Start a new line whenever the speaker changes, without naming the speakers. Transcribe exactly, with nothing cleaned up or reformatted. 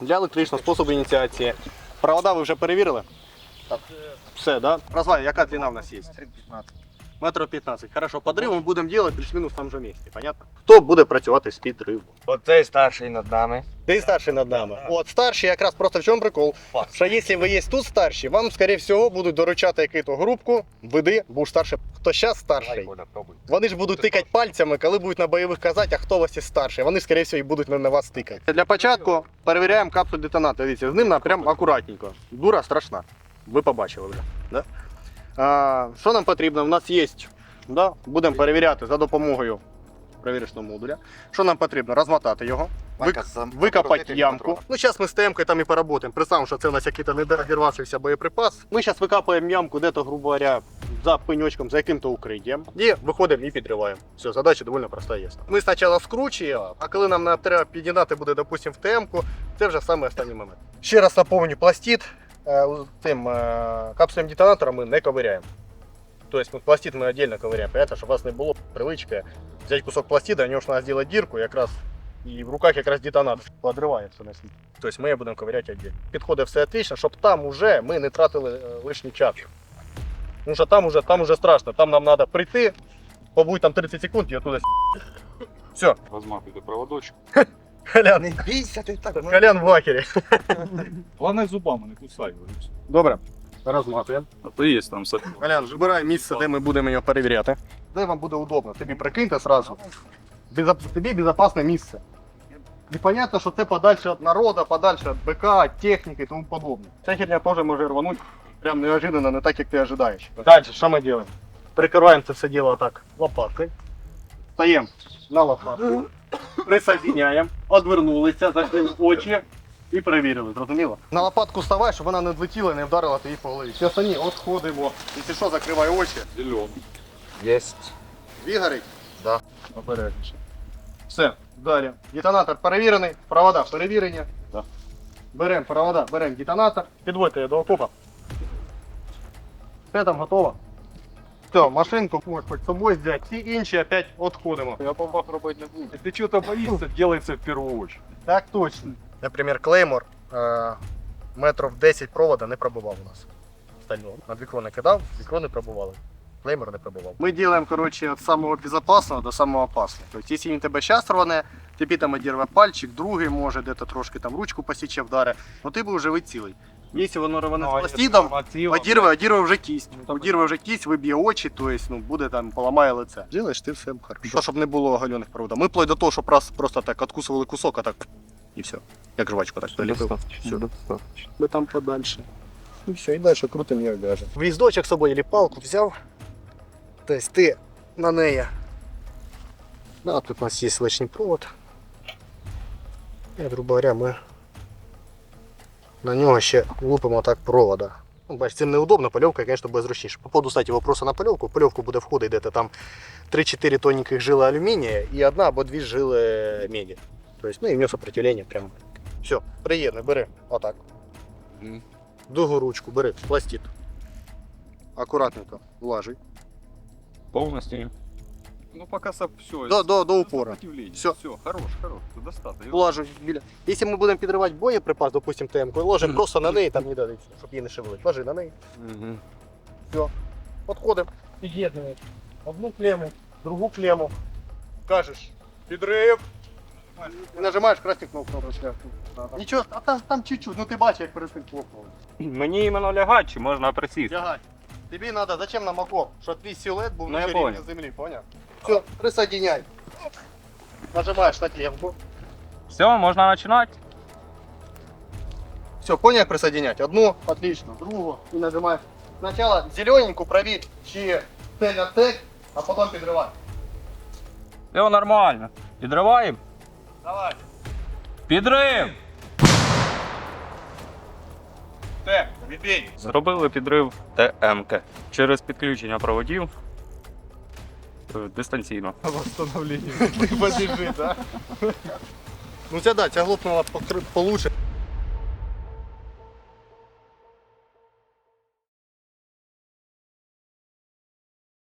Для електричного способу ініціації. Провода ви вже перевірили?
Так.
Все, да? Розвай, яка длина в нас є? Метрів п'ятнадцять. Хорошо, подрив ми будемо робити плюс-мінус в тому же місці, понятно? Хто буде працювати з підривом?
Оцей старший над нами.
Ти старший над нами. От старший якраз просто в чому прикол? Що якщо ви є тут старші, вам, скоріше всього, будуть доручати якусь групку, веди, будеш старший. Хто зараз старший? Вони ж будуть тикати пальцями, коли будуть на бойових казати, а хто у вас є старший. Вони, скоріше всього, і будуть на вас тикати. Для початку перевіряємо капсуль детонатора. Дивіться, з ним прям акуратненько. Дура страшна. Ви побачили вже. Да? А, що нам потрібно? У нас є, да? Будемо перевіряти за допомогою перевірочного модуля. Що нам потрібно? Розмотати його, вик... викопати ямку. Ну, зараз ми з темкою там і поработаємо. Представимо, що це у нас якийсь недорозірвавшийся боєприпас. Ми зараз викопуємо ямку де-то, грубо говоря, за пеньочком, за яким-то укриттям. І виходимо і підриваємо. Все, задача доволі проста є. Ми спочатку скручуємо, а коли нам треба підігнати буде, допустимо, в темку, це вже саме останній момент. Ще раз напомню, пластид тим капсулем детонатора ми не ковиряємо. Тобто пластид ми віддільно ковиряємо, понятно, щоб у вас не було привички взяти кусок пластида, у нього ж треба зробити дірку, якраз і в руках якраз детонатор подриває все на світ. Тобто ми її будемо ковиряти віддільно. Підходить все отлично, щоб там уже ми не тратили лишній час. Тому що там уже, там уже страшно, там нам треба прийти, побудь там тридцять секунд і оттуда все.
Розматуйте проводочок.
Колян,
Не бійся ти так.
Колян в вакері.
Головне зубами не кусай.
Добре, розматуємо.
А то є там сапір.
Колян, вибирай місце, де ми будемо його перевіряти. Де вам буде удобно, тобі прикиньте одразу. Безо... Тобі безпечне місце. І зрозуміло, що це подальше від народу, подальше від БК, техніки і тому подобне. Ця херня теж може рванути прям неожиданно, не так, як ти очікуєш. Далі, що ми робимо? Прикриваємо це все діло так лопаткою. Стаємо на лопатку, присоединяємо, одвернулися, зайшли в очі і перевірили, зрозуміло? На лопатку вставай, щоб вона не влетіла і не вдарила тобі по голові. Зараз вони відходимо. Якщо що, закривай очі.
Зелений.
Єсть.
Дві горить?
Да.
Обережніше. Все, далі. Детонатор перевірений, провода перевірені.
Да.
Беремо провода, беремо детонатор, підводьте її до окопа. Все там готово. Все, машинку можеш хоч з собою взяти, всі інші опять відходимо.
Я бомбах робити не буду. Якщо чого-то боїшся, делай це в першу очередь.
Так точно. Наприклад, клеймор е, метрів десять провода не пробував у нас. Стального. На вікно не кидав, вікно не пробували. Клеймор не пробував. Ми робимо, коротше, від самого безпечного до самого опасного. Тобто, якщо він тебе зараз рване, тобі там одірве пальчик, другий може, де-то трошки там ручку посіче, вдаре, ну ти був живий цілий. Якщо воно рване з пластидом, одірве, одірве вже кість. Одірве вже кість, виб'є очі, тобто, ну, буде там, поламає лице. Ділаєш ти все хорошо. Щоб не було оголених проводів. Ми вплоть до того, щоб раз просто так откусували кусок, а так і все. Як жвачку так доліпив. Все. Ми там подальше. І все, і далі крутим його в'яжемо. Віздочок з собою або палку взяв. Тобто ти на неї. Да, тут у нас є лишній провод. І, грубо говоря, ми на нього ще лупимо так провода. Ну, бачите, цим неудобно, польовка, звісно, буде зручніше. По поводу, кстати, вопросу на польовку. В польовку буде входити де-то там три-чотири тоненьких жили алюмінія і одна або дві жили меді. Тобто, ну і в нього сопротивлення прямо. Все, приєднуй, бери. Отак.
Mm.
Другу ручку бери, пластид. Акуратненько влажуй.
Повністю. Ну поки все.
До, до, до упора.
Все. Все, хорош, хорош. Це достатньо.
Влажу біля. Якщо ми будемо підривати боєприпас, допустим, темку, ложимо просто на неї, там не дадеться, щоб її не шевелити. Ложи на неї.
Угу.
Все. Підходимо. Під'єднуємо. Одну клему, другу клему. Кажеш, підрив. І нажимаєш красну кнопку. Нічого, а там, там чуть-чуть, ну ти бачиш, як перед тим хлопнули.
Мені іменно лягати, чи можна присісти?
Лягай. Тобі треба, зачем нам окоп? Щоб твій силует був
Ну,
на
я
рівні
понял.
землі, поняв? Все, присоединяй. Нажимаєш на клемку.
Все, можна починати?
Все, понял, як присоединять? Одну, отлично, другу і нажимаєш. Спочатку зелененьку провір, чи цель атек, а потім підривай.
Все нормально. Підриваємо?
Давай.
Підрив!
Тек, відбій.
Зробили підрив ТМК через підключення проводів е, дистанційно.
Восстановлення. Ти побіжи, так? Ну ця, да, ця глупнула покр- получше.